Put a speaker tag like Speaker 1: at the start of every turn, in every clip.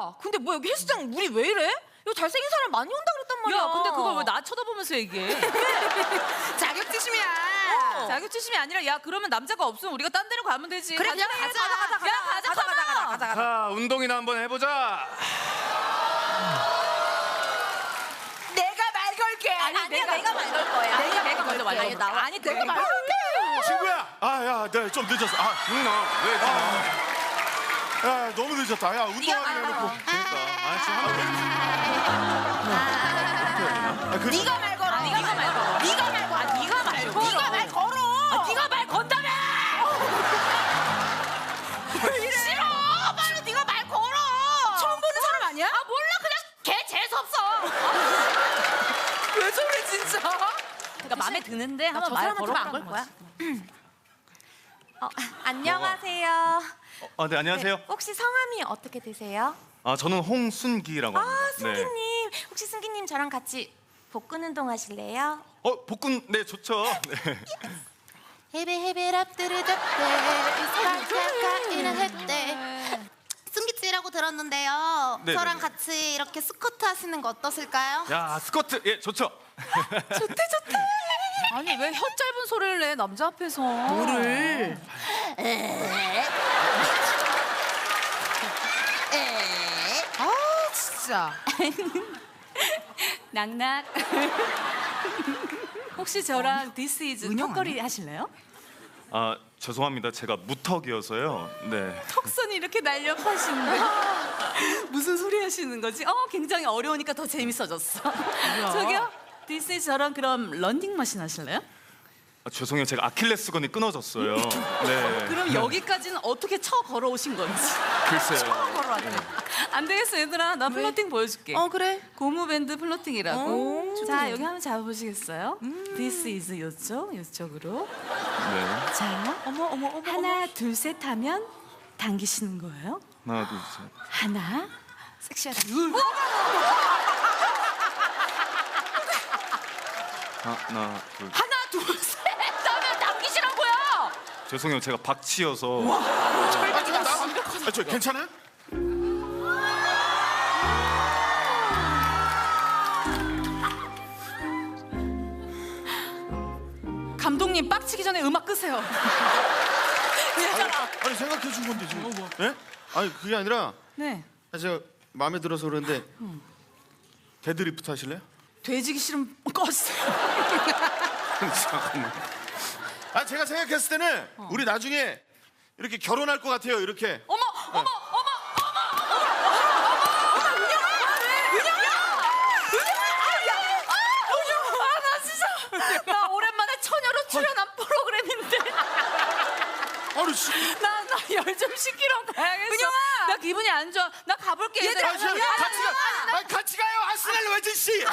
Speaker 1: 야, 근데 뭐 여기 헬스장 물이 왜 이래? 이거 잘생긴 사람 많이 온다 그랬단 말이야.
Speaker 2: 야, 근데 그걸 왜 나 쳐다보면서 얘기해?
Speaker 1: 자격지심이야.
Speaker 2: 자격지심이 아니라 야 그러면 남자가 없으면 우리가 딴 데로 가면 되지.
Speaker 1: 그래,
Speaker 2: 가자.
Speaker 1: 가자.
Speaker 2: 야 가자.
Speaker 3: 자, 운동이나 한번 해보자.
Speaker 1: 내가 말 걸게.
Speaker 2: 아니, 내가 말 걸 거야. 내가 먼저 말 걸게. 아니
Speaker 1: 내가 말 걸게.
Speaker 4: 친구야. 야, 내가 좀 늦었어.
Speaker 3: 왜?
Speaker 4: 야, 너무 늦었다. 야, 운동하기 해놓고.
Speaker 1: 네가 말 걸어.
Speaker 2: 네가 말 걸어.
Speaker 1: 네가 말 걸어.
Speaker 2: 네가 말 걸어.
Speaker 1: 네가 말 걸어.
Speaker 2: 네가 말 건다며.
Speaker 1: 싫어. 빨리 네가 말 걸어. 처음 보는 사람 아니야? 아 몰라. 그냥 걔 재수 없어.
Speaker 2: 왜 저래 진짜? 그러니까 마음에 드는데 한번 말 걸어.
Speaker 1: 안걸 거야. 안녕하세요.
Speaker 3: 네, 안녕하세요.
Speaker 1: 네, 혹시 성함이 어떻게 되세요?
Speaker 3: 저는 홍순기라고 합니다.
Speaker 1: 승기님. 혹시 승기님 저랑 같이 복근 운동 하실래요?
Speaker 3: 복근 네 좋죠. 네.
Speaker 5: 헤베헤베랍 뚜르답대 사카카이는 했대. 승기씨라고 들었는데요.
Speaker 3: 네네네.
Speaker 5: 저랑 같이 이렇게 스쿼트 하시는 거 어떠실까요?
Speaker 3: 야, 스쿼트 예 좋죠.
Speaker 2: 아니 왜 혀 짧은 소리를 내 남자 앞에서? 뭐를?
Speaker 1: 진짜.
Speaker 2: 낙낙. 혹시 저랑 This is 턱걸이 하실래요?
Speaker 3: 죄송합니다. 제가 무턱이어서요. 네.
Speaker 2: 턱선이 이렇게 날렵하신데 무슨 소리 하시는 거지? 굉장히 어려우니까 더 재밌어졌어. 저기요, This is 저랑 그럼 런닝머신 하실래요?
Speaker 3: 죄송해요. 제가 아킬레스건이 끊어졌어요. 네.
Speaker 2: 그럼 여기까지는 어떻게 쳐 걸어오신 건지.
Speaker 3: 글쎄요.
Speaker 2: 안 되겠어 얘들아, 나 플러팅 보여줄게.
Speaker 1: 그래.
Speaker 2: 고무밴드 플러팅이라고. 자 여기 한번 잡아보시겠어요? This is 요쪽으로.
Speaker 3: 네.
Speaker 2: 자, 어머. 하나, 둘, 셋 하면 당기시는 거예요.
Speaker 3: 하나, 둘, 셋.
Speaker 2: 하나, 섹시하다.
Speaker 3: 하나, 둘.
Speaker 2: 하나, 둘, 셋 하면 당기시라고요.
Speaker 3: 죄송해요. 제가 박치여서.
Speaker 4: 저 괜찮아?
Speaker 2: 감독님 빡치기 전에 음악 끄세요.
Speaker 4: 아니 생각해 준 건데 지금. 예? 아니 그게 아니라
Speaker 2: 네.
Speaker 4: 제가 마음에 들어서 그러는데 데드리프트 하실래요?
Speaker 2: 돼지기 싫으면 꺼주세요.
Speaker 4: 잠깐만. 제가 생각했을 때는 우리 나중에 이렇게 결혼할 것 같아요. 이렇게.
Speaker 2: 어머. 나 오랜만에 처녀로 출연한 프로그램인데
Speaker 4: 아니 씨.
Speaker 2: 나 열 좀 식히러 가야겠어. 은영아, 나 기분이 안 좋아. 나 가볼게. 얘들아,
Speaker 4: 같이 가. 같이 가요. 아스날 외진 씨.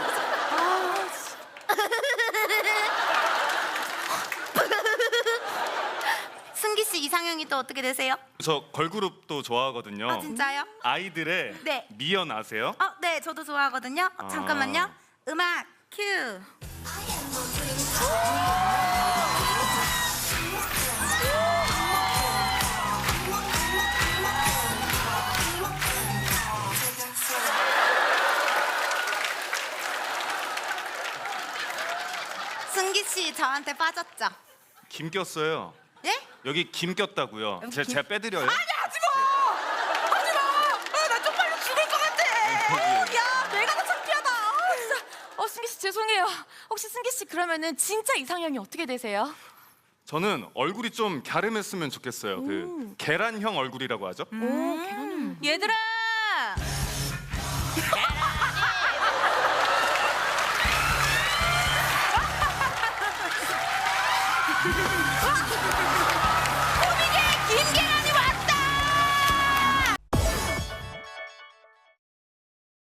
Speaker 5: 승기씨 이상형이 또 어떻게 되세요?
Speaker 3: 저 걸그룹도 좋아하거든요.
Speaker 5: 진짜요?
Speaker 3: 아이들의
Speaker 5: 네.
Speaker 3: 미연 아세요?
Speaker 5: 네, 저도 좋아하거든요. 잠깐만요. 음악 큐. 승기씨 저한테 빠졌죠?
Speaker 3: 김 꼈어요.
Speaker 5: 예?
Speaker 3: 여기 김 꼈다고요. 제가 빼드려요.
Speaker 1: 나 쪽팔려 죽을 것 같아. 야, 내가 더 창피하다. 진짜. 승기 씨 죄송해요. 혹시 승기 씨 그러면은 진짜 이상형이 어떻게 되세요?
Speaker 3: 저는 얼굴이 좀 갸름했으면 좋겠어요. 그 계란형 얼굴이라고 하죠.
Speaker 2: 얘들아.